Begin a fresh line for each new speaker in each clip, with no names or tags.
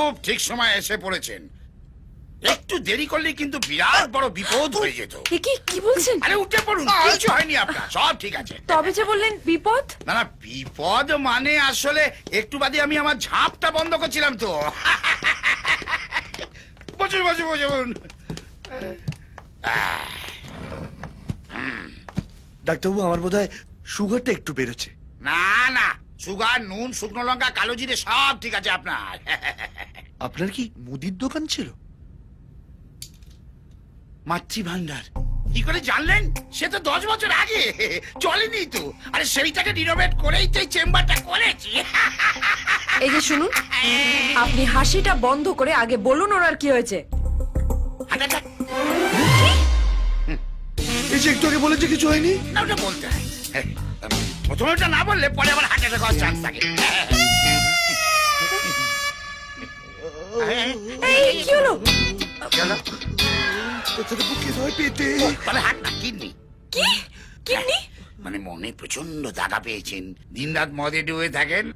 খুব ঠিক সময় এসে পড়েছেন। একটু দেরি করলে কিন্তু বিরাট বড় বিপদ হয়ে যেত।
কি বলছেন?
আরে উঠে পড়ুন, কিছু হয়নি আপনার, সব ঠিক আছে।
তবে যে বললেন বিপদ।
না না, বিপদ মানে আসলে একটু বাদে আমি আমার ঝাঁপটা বন্ধ করছিলাম তো। বসুন বসুন বসুন।
ডাক্তারবাবু, আমার বোধহয় সুগারটা একটু বেড়েছে।
না না, সুগার, নুন, শুকনো লঙ্কা, কালো জিরে সব ঠিক আছে আপনার।
আপনার কি মুদির দোকান ছিল?
মাতৃভান্ডার কি করে জানলেন? সে তো 10 বছর আগে চলেনি তো। আরে সেইটাকে রিনোভেট করেই তো এই চেম্বারটা করেছি।
এই যে শুনুন, আপনি হাসিটা বন্ধ করে আগে বলুন ওনার কি হয়েছে।
আচ্ছা,
এই যে একটু আগে বলেছে কিছু হয়নি।
না ওটা বলতে হয়। প্রথমে ওটা না বললে পরে আবার হার্ট অ্যাটাক হওয়ার চান্স থাকে।
এই কি হলো?
চলো।
কোথায় বুকে হয় পেটে।
তবে হার্ট না, কিডনি।
কি কিডনি?
মানে মনে প্রচন্ড দাগা পেয়েছেন, দিন রাত মদে ডুবে থাকেন।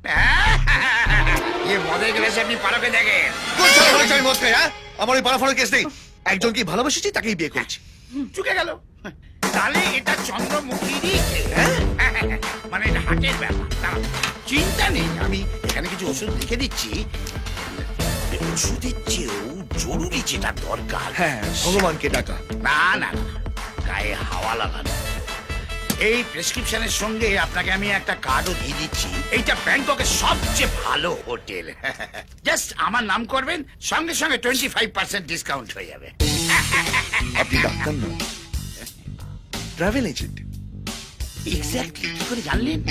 মদে গ্লাসে আপনি পারকে দেখেন।
আমি মদ খাই, হ্যাঁ? আমার ওই পাড়াফাড়ার কেস নেই। একজনকে ভালোবাসেছি, তাকেই বিয়ে করেছি।
চুকে গেল। তাহলে এটা চন্দ্রমুখীরই মানে এটা হাটের ব্যাপার। দাঁড়াও, চিন্তা নেই, আমি এখানে কিছু ওষুধ লিখে দিচ্ছি। ওষুধের চেয়েও জরুরি যেটা দরকার,
হ্যাঁ, ভগবানকে ডাকা।
না না না, গায়ে হাওয়া লাগানো। এই প্রেসক্রিপশনের সঙ্গে আপনাকে আমি একটা কার্ডও দিয়ে দিচ্ছি। এইটা ব্যাংককের সবচেয়ে ভালো হোটেল। জাস্ট আমার নাম করবেন, সঙ্গে সঙ্গে 25% ডিসকাউন্ট হয়ে যাবে।
আপনি ডাক্তার না, ট্রাভেল এজেন্ট।
এক্স্যাক্টলি, কি করে জানলেন?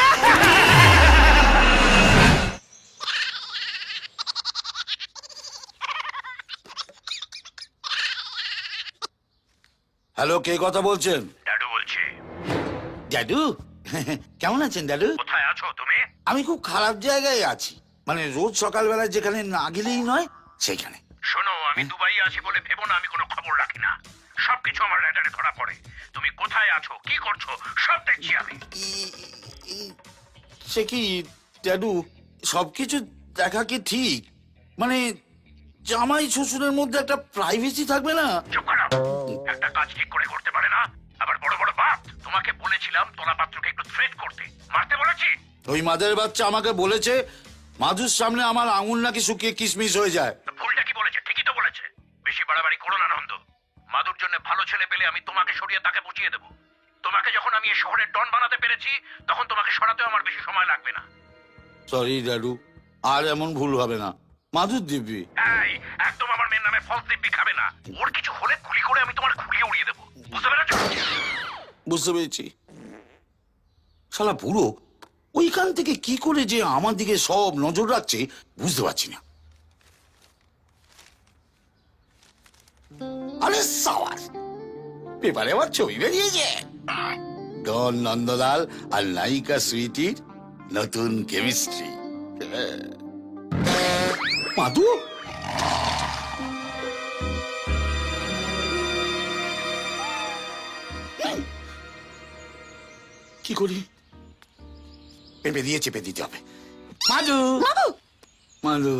হ্যালো, কে কথা বলছেন?
দাদু বলছি।
দাদু, কেমন আছেন দাদু?
কোথায় আছো তুমি?
আমি খুব খারাপ জায়গায় আছি, মানে রোজ সকালবেলা যেখানে না গেলেই নয় সেইখানে।
শোনো, আমি দুবাই আছি বলে ভেবো না আমি কোনো খবর রাখি না। সবকিছু আমার রেডারে ধরা পড়ে। তুমি কোথায় আছো, কি করছো, সব দেখছি আমি।
সে কি দাদু, সবকিছু দেখা কি ঠিক? মানে জামাই শ্বশুরের মধ্যে একটা প্রাইভেসি থাকবে না?
চুপ করো। একটা কাজ ঠিক করে করতে পারে না, আবার বড় বড় বাপ। তোমাকে বলেছিলাম তোলা পাত্রকে একটু থ্রেট করতে, মারতে বলেছি।
ওই মাদের বাচ্চা আমাকে বলেছে মাধুর সামনে আমার আঙুল নাকি শুকিয়ে কিশমিশ হয়ে যায়।
তো ভুলটা কি বলেছে? ঠিকই তো বলেছে। বেশি বাড়াবাড়ি করো না নন্দ। মাদুর জন্য ভালো ছেলে পেলে আমি তোমাকে সরিয়ে তাকে বুঝিয়ে দেবো। তোমাকে যখন আমি এই শহরের ডন বানাতে পেরেছি, তখন তোমাকে সরাতেও আমার বেশি সময় লাগবে না।
সরি দাদু, আর এমন ভুল হবে না। মাধুর দিব্যি।
এই, একদম আমার মেয়ের নামে ফলস দিব্যি খাবে না। ওর কিছু হলে গুলি করে আমি তোমার খুলিয়ে উড়িয়ে দেবো, বুঝতে পেরেছো?
বুঝতে পেরেছি। শালা বুড়ো ওইখান থেকে কি করে যে আমার দিকে সব নজর রাখছে বুঝতে পারছি না। আরে সাওয়ার, পেপারে আমার ছবি বেরিয়েছে। ডন নন্দলাল আর নায়িকা সুইটির নতুন কেমিস্ট্রি। মাধু, কি করি? পেঁপে দিয়ে চেপে দিতে হবে। মাধু, মাধু,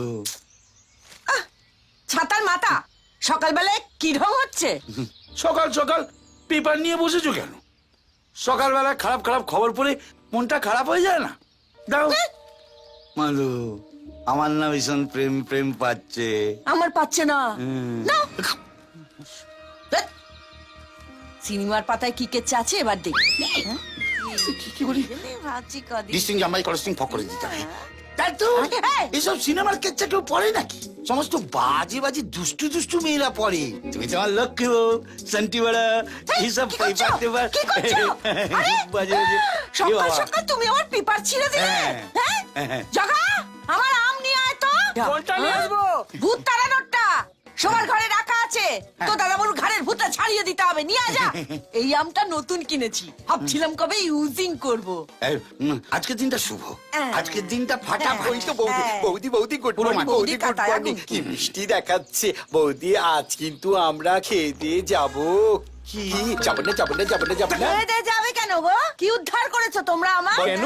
ছাতার মাথা সকালবেলায় কি ঢং হচ্ছে?
সকাল সকাল পেপার নিয়ে বসেছো কেন? সকালবেলা খারাপ খারাপ খবর পড়ে মনটা খারাপ হয়ে যায় না? দাও। মাধু, আমার না ভীষণ প্রেম প্রেম পাচ্ছে।
আমার পাচ্ছে না। নাও। ধ্যাৎ। সিনেমার পাতায় কি কেচ্ছে আছে এবার দেখি। হ্যাঁ?
কি করি?
ভাবছি কদিন।
ডিস্টিং জামাই কলস্টিং ফক করে দিতে হবে। তাই তো
এই!
এসব সিনেমার কেচ্ছা কেউ পড়ে নাকি? সমস্ত বাজে বাজে দুষ্টু দুষ্টু মেয়েরা পড়ে। তুমি তো আমার লক্ষ্য শান্তি বড়া এইসব
কি করছো?
পেপার টেপার
কি করছো? আরে!
বাজে বাজে।
সকাল সকাল তুমি আমার পেপার ছিঁড়ে দিলে।
হ্যাঁ।
হ্যাঁ? জগা, আমার আম নিয়ে আয় তো।
কোনটা নিয়ে আসবো?
ভূত তাড়ানোরটা সবার ঘরে রাখা আছে। তো দাদা বলু ঘরের ভূতটা ছাড়িয়ে দিতে হবে, নিয়ে আয় যা। এই আমটা নতুন কিনেছি, ভাবছিলাম কবে ইউজিং করব।
আজকের দিনটা শুভ।
হ্যাঁ।
আজকের দিনটা ফাটাফাটি।
ওই তো বৌদি,
হ্যাঁ।
বৌদি বৌদি গুড
পুরো
মর্নিং,
মা-
বৌদি গুড
কাটায়া
মর্নিং।
গুড।
কি মিষ্টি দেখাচ্ছে বৌদি, আজ কিন্তু আমরা খেয়ে দিয়ে যাবো। কি যাবো না যাবো না যাবো না যাবো না?
দে যাবে কেন গো? কি উদ্ধার করেছো তোমরা আমার?
কেন?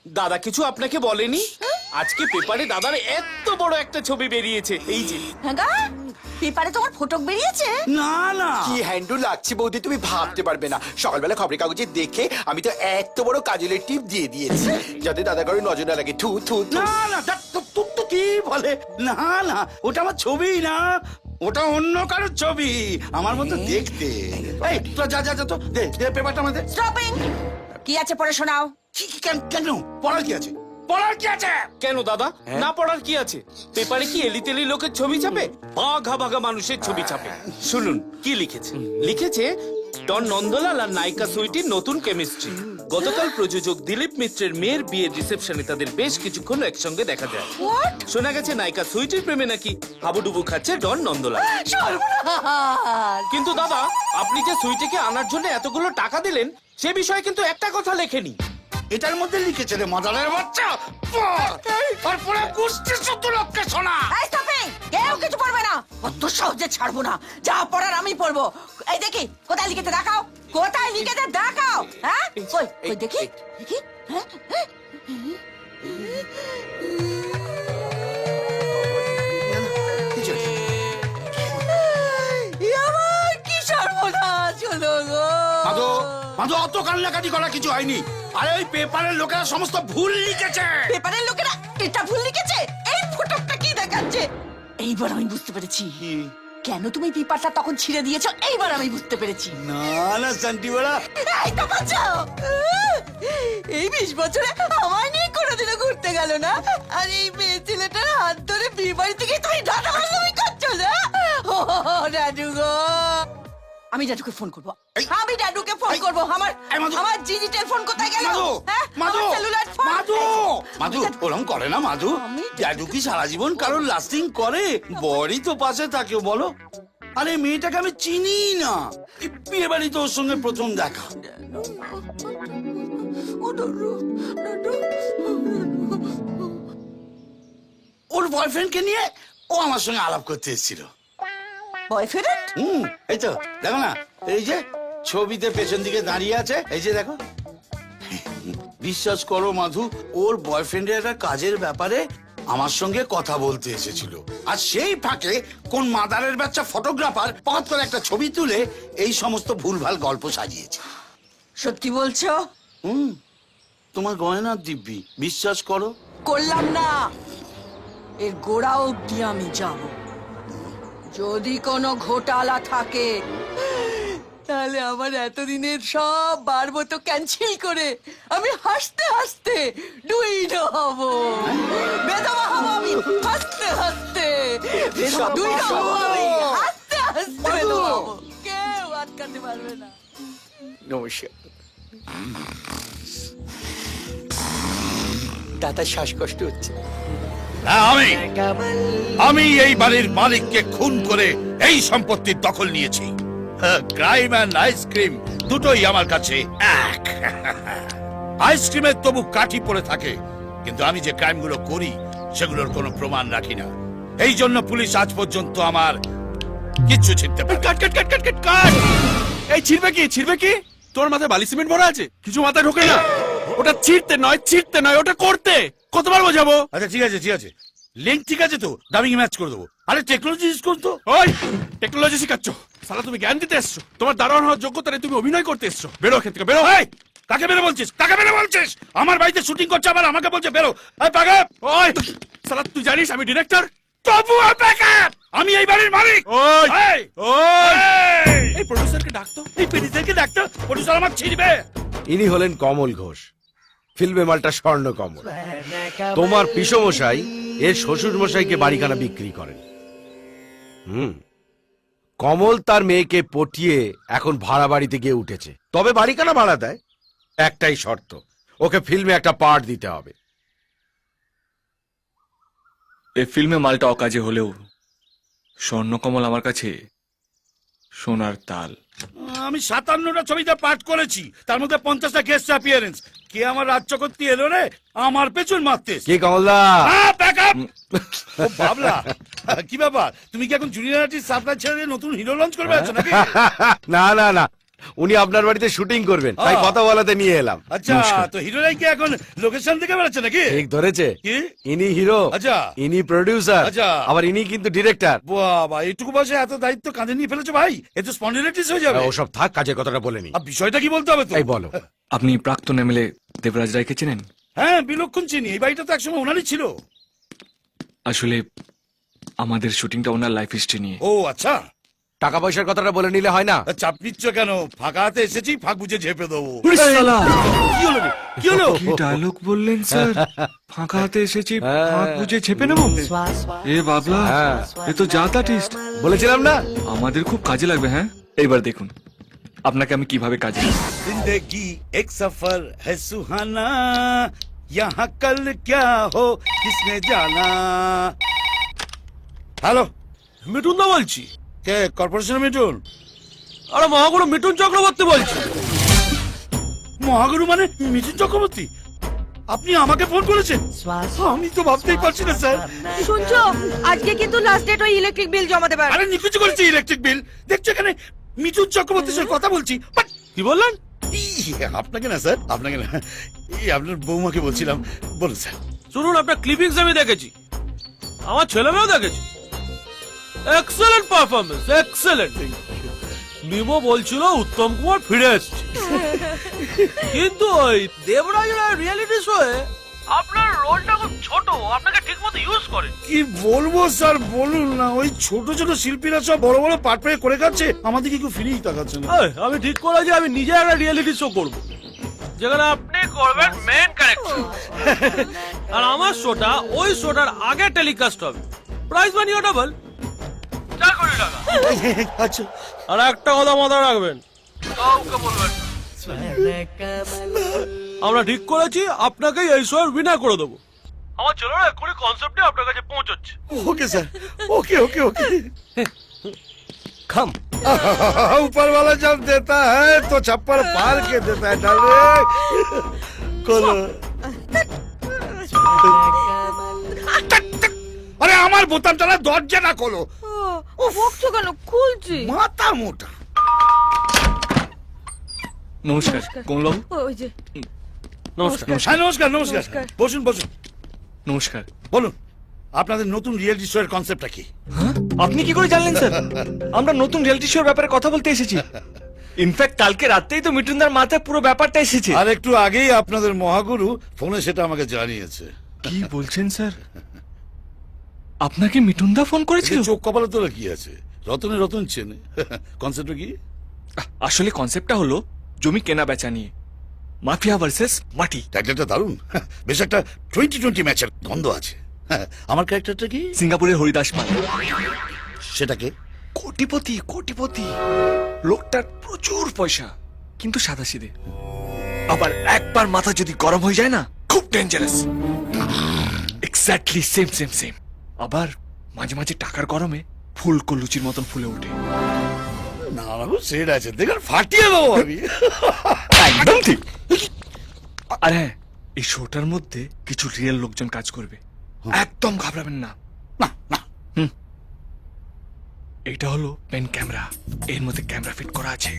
দাদা কিছু আপনাকে বলেনি? আজকে পেপারে দাদার এত বড় একটা ছবি বেরিয়েছে, এই যে।
হ্যাঁ গা? পেপারে তোমার ফটক বেরিয়েছে?
না না,
কি হ্যান্ডু লাগছে বৌদি, তুমি ভাবতে পারবে না। সকালবেলা খবরের কাগজে দেখে আমি তো এত বড় কাজলের টিপ দিয়ে দিয়েছি যাতে দাদা করে নজর না লাগে। থু থু থু।
না না, তো কি বলে? না না, ওটা আমার ছবি না, ওটা অন্য কারোর ছবি, আমার মতো দেখতে। এই তো যা যা যা, তো দে দে পেপারটা আমাদের।
স্টপিং! কি আছে পড়ে শোনাও।
কেন পড়ার কি আছে? পড়ার কি আছে?
কেন দাদা, না পড়ার কি আছে? পেপারে কি এলিতেলি লোকের ছবি ছাপে? বাঘা বাঘা মানুষের ছবি ছাপে। শুনুন কি লিখেছে। লিখেছে, ডন নন্দলাল আর নায়িকা সুইটির নতুন কেমিস্ট্রি। গতকাল প্রযোজক দিলীপ মিত্রের মেয়ের বিয়ের রিসেপশনে তাদের বেশ কিছুক্ষণ একসঙ্গে দেখা যায়।
What?
শোনা গেছে নায়িকা সুইটির প্রেমে নাকি হাবুডুবু খাচ্ছে ডন নন্দলাল।
সর্বনাশ!
কিন্তু দাদা, আপনি যে সুইটিকে আনার জন্য এতগুলো টাকা দিলেন, সে বিষয়ে কিন্তু একটা কথা লেখেনি।
এটার মধ্যে লিখেছে রে মাদারের বাচ্চা, আর পুরো কুস্তি ১৪ লক্ষে শোনা।
এই স্টপিং! কেউ কিছু পড়বে না, অত সহজে ছাড়বো না। যা পড়ার আমি পড়বো। এই দেখি কোথায় লিখেতে দেখাও, কোথায় লিখেতে দেখাও। হ্যাঁ কই কই দেখি দেখি। হ্যাঁ হ্যাঁ। আমার কি সর্বনাশ হলো গো!
মাধু, মাধু, অত কান্নাকাটি করা কিছু হয়নি। আরে ওই পেপারের লোকেরা সমস্ত ভুল লিখেছে।
পেপারের লোকেরা এটা ভুল লিখেছে। এই ফটোটা কি দেখাচ্ছে? এইবার আমি বুঝতে পেরেছি কেন তুমি পেপারটা তখন ছিঁড়ে দিয়েছো। এইবার আমি বুঝতে পেরেছি।
না না শান্তিবেলা,
এই তো বাঁচাও! এই ২০ বছরে আমার নিয়ে কোনোদিনও ঘুরতে গেল না, আর এই মেয়ে ছেলেটার হাত ধরে বিয়ে বাড়ি থেকে তুমি দাদা বান্ধবী করছো না? ও দাদু গো! আমি দাদুকে ফোন করবো। আমি দাদুকে ফোন করবো। আমার
এই মাধু!
আমার ডিজিটাল ফোন কোথায় গেল?
মাধু,
হ্যাঁ?
মাধু,
আমার cellular ফোন?
মাধু, মাধু, ওরম করে না মাধু। দাদু কি সারা জীবন কারোর লাস্টিং করে? বড়ই তো পাশে থাকে, বলো। আরে মেয়েটাকে আমি চিনি না, এই বিয়ে বাড়ি তো ওর সঙ্গে প্রথম দেখা।
ও দাদু, দাদু।
ওর বয়ফ্রেন্ডকে নিয়ে ও আমার সঙ্গে আলাপ করতে এসেছিল।
বয়ফ্রেন্ড?
এই তো দেখো না, এই যে ছবিতে পেছন দিকে দাঁড়িয়ে আছে, এই যে দেখো। বিশ্বাস করো মাধু, ওর বয়ফ্রেন্ডের একটা কাজের ব্যাপারে আমার সঙ্গে কথা বলতে এসেছিল, আর সেই ফাঁকে কোন মাদারের বাচ্চা ফটোগ্রাফার পথ করে একটা ছবি তুলে এই সমস্ত ভুলভাল গল্প সাজিয়েছে।
সত্যি বলছো?
তোমার গয়না দিব্যি, বিশ্বাস করো।
করলাম না, এর গোড়া অব্দি আমি যাব। যদি কোনো ঘোটালা থাকে তাহলে আমার এতদিনের সব বারবো ক্যান্সেল করে আমি হাসতে হাসতে ডুইড হব, বেদবা হব আমি হাসতে হাসতে, ডুইড হব আমি হাসতে হাসতে বেদবা হব। কেউ আটকাতে পারবে না।
নমস্কার। দাদার শ্বাসকষ্ট হচ্ছে।
আমি এই বাড়ির মালিককে খুন করে এই সম্পত্তির দখল নিয়েছি। ক্রাইম অ্যান্ড আইসক্রিম দুটোই আমার কাছে এক। আইসক্রিমের তবু কাঠি পড়ে থাকে, কিন্তু আমি যে ক্রাইমগুলো করি সেগুলোর কোনো প্রমাণ রাখি না। এই জন্য পুলিশ আজ পর্যন্ত আমার কিচ্ছু ছিনতে পারে।
কাট কাট কাট কাট কাট কাট! এই ছিড়বে কি, ছিড়বে কি? তোর মাথায় বালি সিমেন্ট ভরা আছে, কিছু মাথায় ঢোকে না। ওটা ছিড়তে নয়, ওটা করতে। কতবার বোঝাবো?
আচ্ছা ঠিক আছে ঠিক আছে, লিঙ্ক ঠিক আছে তো, ডাবিং ম্যাচ করে দেবো। আরে টেকনোলজি ইউজ করতো।
ওই টেকনোলজি শিখাচ্ছ? সালা তুমি জ্ঞান দিতে এসছো? তোমার দারোয়ান হওয়ার যোগ্যতা নেই, তুমি অভিনয় করতে এসছো। বেরো এখান থেকে, বেরো।
এই, কাকে বেরো বলছিস? কাকে বেরো বলছিস? আমার বাড়িতে শুটিং করছে, আবার আমাকে বলছে বেরো। এই পাগল!
ওই সালা তুই জানিস আমি ডিরেক্টর?
তবুও বেকার! আমি এই বাড়ির মালিক।
ওই
এই!
ওই
এই!
এই প্রডিউসারকে ডাকতো।
এই পেডিসারকে ডাক্তার, প্রডিউসার আমার ছিড়বে।
ইনি হলেন কমল ঘোষ, ফিল্মে মালটা স্বর্ণ কমল। তোমার পিসমশাই এর শ্বশুর মশাইকে বাড়িখানা বিক্রি করেন। কমল তার মেয়েকে পটিয়ে এখন ভাড়া বাড়িতে গিয়ে উঠেছে, তবে বাড়িখানা ভাড়া দেয়। একটাই শর্ত, ওকে ফিল্মে একটা পার্ট দিতে হবে।
এই ফিল্মে মালটা অকাজে হলেও স্বর্ণকমল আমার কাছে সোনার তাল।
আমি 57টা ছবিতে পাঠ করেছি, তার মধ্যে 50টা গেস্ট অ্যাপিয়ারেন্স। কে আমার রাজ্য করতে এলো রে, আমার পেছন মারতে।
কে কমলদা?
বাবলা, কি ব্যাপার? তুমি কি এখন জুনিয়র আর্টিস্ট সাপ্লাই ছেড়ে নতুন হিরো লঞ্চ করবে আছো নাকি?
না না না, উনি আপনার বাড়িতে শুটিং করবেন তাই কথা বলাতে নিয়ে এলাম।
আচ্ছা, তো হিরোরাই কি এখন লোকেশন থেকে বেড়াচ্ছে নাকি?
ঠিক ধরেছে,
কি?
ইনি হিরো,
আচ্ছা।
ইনি প্রডিউসার,
আচ্ছা।
আবার ইনি কিন্তু ডিরেক্টর।
বাবা, এইটুকু বয়সে এত দায়িত্ব কাঁধে নিয়ে ফেলেছো ভাই, এ তো স্পন্ডিলাইটিস হয়ে যাবে।
ওসব থাক, কাজের কথাটা বলেনি।
আর বিষয়টা কি বলতে হবে তো?
এই বলো।
আপনি প্রাক্তন এমএলএ দেবরাজ রায়কে চেনেন?
হ্যাঁ, বিলক্ষণ চিনি, এই বাড়িটা তো একসময় ওনারই ছিল।
আসলে আমাদের শুটিংটা ওনার লাইফ হিস্ট্রি নিয়ে।
ও আচ্ছা,
টাকা পয়সার কথাটা বলে নিলে হয় না?
তা চাপ নিচ্ছ কেন? ফাঁকা হাতে এসেছি, ফাঁক বুঝে ঝেপে দেবো।
কি হলো রে? কি হলো?
কি ডায়লগ বললেন স্যার? ফাঁকা হাতে এসেছি, ফাঁক বুঝে ছেপে নেব? এ বাবলা,
হ্যাঁ।
এ তো জাত আর্টিস্ট।
বলেছিলাম না?
আমাদের খুব কাজে লাগবে। হ্যাঁ, এইবার দেখুন আপনাকে আমি কিভাবে কাজে লাগাই।
जिंदगी एक सफर है सुहाना, यहाँ कल क्या हो किसने जाना। হ্যালো,
মিঠুন দা বলছি।
কে কর্পোরেশনের মিঠুন?
আরে মহাগুরু মিঠুন চক্রবর্তী বলছি।
মহাগুরু মানে মিঠুন চক্রবর্তী? আপনি আমাকে ফোন করেছেন? আমি তো ভাবতেই পারছি না স্যার।
শুনছো, আজকে কিন্তু লাস্ট ডেট, ওই ইলেকট্রিক বিল জমাতে পারবে।
আরে নিকুচি করেছি ইলেকট্রিক বিল, দেখছো এখানে মিঠুন চক্রবর্তীর সাথে কথা বলছি। বাট
কি বললেন?
আপনাকে না স্যার, আপনাকে না, এই আপনার বৌমাকে বলছিলাম। বলুন স্যার।
শুনুন, আপনার ক্লিপিংস আমি দেখেছি, আমার ছেলে মেয়েও দেখেছি। Excellent performance, excellent. নিমো বলছিল উত্তম কুমার ফিরে এসছে, কিন্তু ওই দেবরাজ রিয়েলিটি শোয়ে আপনার রোলটা খুব ছোট, আপনাকে ঠিকমতো ইউজ করে।
কি বলবো স্যার, বলুন না। ওই ছোট ছোট শিল্পীরা সব বড় বড় পাট পেয়ে করে খাচ্ছে, আমাদেরকে কেউ ফিরেই তাকাচ্ছে না।
আমি ঠিক করেছি আমি নিজে একটা রিয়েলিটি শো করব, যেখানে আপনি করবেন মেন ক্যারেক্টার, আর আমার শোটা ওই শোটার আগে টেলিকাস্ট হবে। প্রাইস মানিও ডাবল, 4 কোটি টাকা।
আচ্ছা,
আর একটা কথা মাথায় রাখবেন, কাউকে বলবেন না। আমরা ঠিক করেছি আপনাকেই এই শোয়ের উইনার করে দেবো। আমার ছেলেরা এক্ষুনি কনসেপ্টে আপনার কাছে পৌঁছচ্ছে।
Okay sir, okay okay okay.
খাম
ऊपर वाला जब देता है तो छप्पर पार के देता है डार्लिंग। खोलो। আরে আমার বোতামটা দরজাটা খোলো।
ও বকছো কেন? খুলছি।
মাথা মোটা।
নমস্কার কমলবাবু।
ওই যে
নমস্কার।
হ্যাঁ, নমস্কার নমস্কার।
নমস্কার।
বসুন বসুন।
নমস্কার।
বলুন, আপনাদের নতুন রিয়েলিটি শো এর কনসেপ্টটা কি?
আপনি কি করে জানলেন স্যার? আমরা নতুন রিয়েলিটি শোর ব্যাপারে কথা বলতে এসেছি। ইনফ্যাক্ট কালকে রাতেই তো মিঠুনদার মাথায় পুরো ব্যাপারটা এসেছে।
আর একটু আগেই আপনাদের মহাগুরু ফোনে সেটা আমাকে জানিয়েছে।
কি বলছেন স্যার? আপনাকে মিঠুনদা ফোন করেছিল?
চোখ কপালে তোলা কি আছে, রতনে রতন চেনে। কনসেপ্টটা কি?
আসলে কনসেপ্টটা হলো জমি কেনা বেচা নিয়ে, মাফিয়া ভার্সেস মাটি।
টাইটেলটা দারুণ, বেশ একটা 2020 ম্যাচের গন্ধ আছে। আমার ক্যারেক্টারটা কি?
সিঙ্গাপুরের হরিদাস পাল।
সেটাকে
কোটিপতি, কোটিপতি লোকটার প্রচুর পয়সা, কিন্তু সাদাসিধে। আবার একবার মাথা যদি গরম হয়ে যায় না, খুব dangerous. Exactly same same same. আবার মাঝে মাঝে টাকার গরমে ফুলকো লুচির মতন ফুলে ওঠে।
না সেট আছে, দেখুন ফাটিয়ে দেবো আমি।
একদম ঠিক। আর হ্যাঁ, এই শোটার মধ্যে কিছু রিয়েল লোকজন কাজ করবে, একদম ঘাবড়াবেন না।
না না,
এটা হলো পেন ক্যামেরা, এর মধ্যে ক্যামেরা ফিট করা আছে।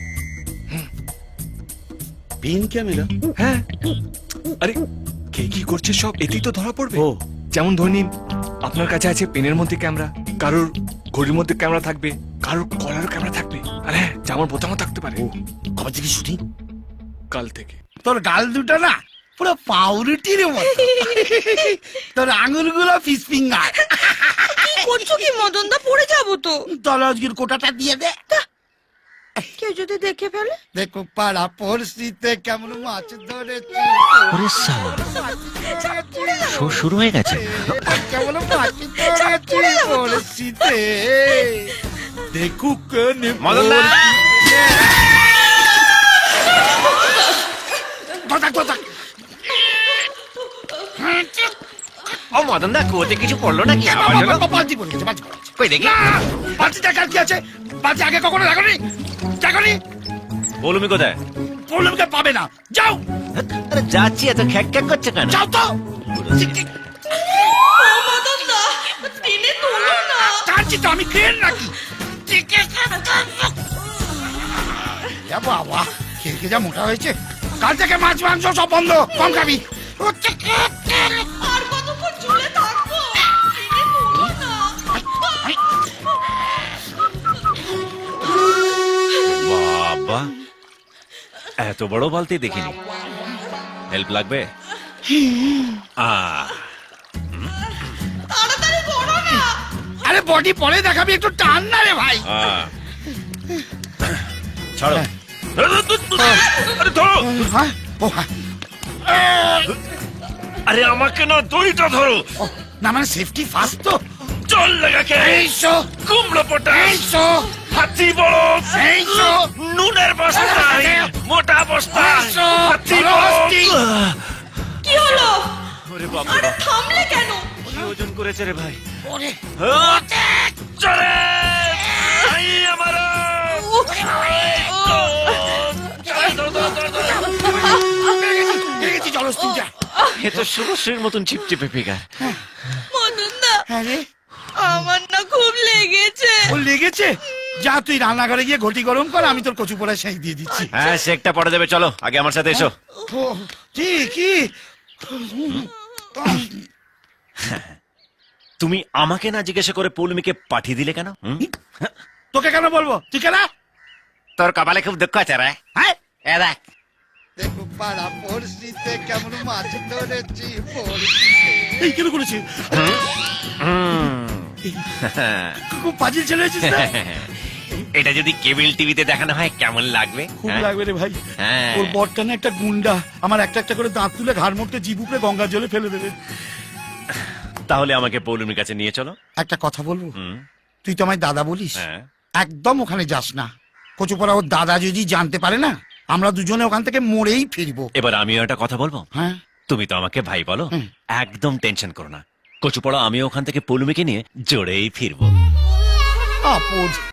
Pin camera?
হ্যাঁ, আরে কে কি করছে সব এতেই তো ধরা পড়বে।
ও।
যেমন ধরে নিন, আপনার কাছে আছে পেনের মধ্যে ক্যামেরা, কারোর ঘড়ির মধ্যে ক্যামেরা থাকবে, কারোর কলার ক্যামেরা থাকবে, আর হ্যাঁ, জামার বোতামও থাকতে পারে।
কবে থেকে শুটিং?
কাল থেকে।
তোর গাল দুটো না পুরো পাউরুটির মতো, তোর আঙুলগুলো ফিস ফিঙ্গার।
করছো কি মদন দা? পড়ে যাবো তো।
তাহলে আজকের কোটাটা দিয়ে দে।
কেউ যদি দেখে ফেলে?
দেখো পাড়া পড়শিতে কেমন মাছ ধরেছি,
শো শুরু হয়ে গেছে।
কেমন মাছ ধরেছি পড়শিতে। দেখুক
ও মদন দা, কুয়োতে কিছু পড়লো নাকি?
বালতি পড়েছে, বালতি পড়েছে।
কই দেখি।
বালতিটা কার কি আছে? বালতি আগে কখনো দেখনি? দেখনি?
বলুমি কোথায়?
প্রবলেমকে পাবে না, যাও
আরে যাচ্ছি, এত খ্যাক খ্যাক করছে কেন?
যাও তো। কাঁদছি তো আমি, ক্রেন নাকি?
যা বাবা খেয়ে যা মোটা হয়েছে। কাল থেকে মাছ মাংস সব বন্ধ, কম খাবি।
আর কতক্ষণ ঝুলে থাকবো?
বাবা এত বড় বালতি দেখিনি। হেল্প লাগবে?
তাড়াতাড়ি করো না।
আরে বডি পরে দেখাবি, একটু টান না রে ভাই।
ছাড়ো। আরে ধরো।
হ্যাঁ? ও হ্যাঁ।
আরে আমাকে না, দড়িটা ধরো।
ও, না মানে সেফটি ফার্স্ট তো।
চল লাগাকে।
এইসো
কুমড়ো পটা,
এইসো
হাতি বড়,
এইসো
নুনের বস্তা, মোটা বস্তা,
এইসো
হাতি
চলো,
বড়।
হস্তি।
কি হলো?
ওরে বাবা,
আরে থামলে কেন?
কি ওজন করেছে রে ভাই?
ওরে
চলে ভাই আমার।
পেয়ে গেছি, চলো হস্তি যা।
এ তো শুভশ্রীর মতন চিপচিপে ফিগার।
মদন দা,
হ্যাঁ রে,
আমার না খুব লেগেছে।
ও লেগেছে? যা তুই রান্নাঘরে গিয়ে ঘটি গরম কর, আমি তোর কচু পোড়া সেই দিয়ে দিচ্ছি।
হ্যাঁ, শেকটা পড়ে দেবে, চলো আগে আমার সাথে এসো।
ও, কি কি?
তুমি আমাকে না জিজ্ঞাসা করে পৌলমীকে পাঠিয়ে দিলে কেন? হুম?
তোকে কেন বলবো? তুই কেন?
তোর কপালে খুব দুঃখ আছে রে।
হ্যাঁ
এ দেখ,
দেখো পাড়া পড়শিতে কেমন মাছ ধরেছি
এই কেন করেছি? খুব পাজিল ছেলে হয়েছিস না?
এটা যদি কেবল টিভিতে দেখানো হয় কেমন লাগবে?
খুব
হ্যাঁ?
লাগবে রে ভাই।
হ্যাঁ।
ওর বরটা না একটা গুন্ডা, আমার একটা একটা করে দাঁত তুলে ঘাড় মুড়তে জিভ উপরে গঙ্গার জলে ফেলে দেবে।
তাহলে আমাকে পৌলমীর কাছে নিয়ে চলো।
একটা কথা বলবো,
হুম,
তুই তো আমায় দাদা বলিস,
হ্যাঁ।
একদম ওখানে যাস না। কচুপড়া ওর দাদা যদি জানতে পারে না, আমরা দুজনে ওখান থেকে মরেই ফিরবো।
এবার আমিও একটা কথা বলবো।
হ্যাঁ
তুমি তো আমাকে ভাই বলো,
হুম।
একদম টেনশন করো না। কচুপড়া আমিও ওখান থেকে পৌলমীকে নিয়ে জোরেই ফিরবো।
আপদ।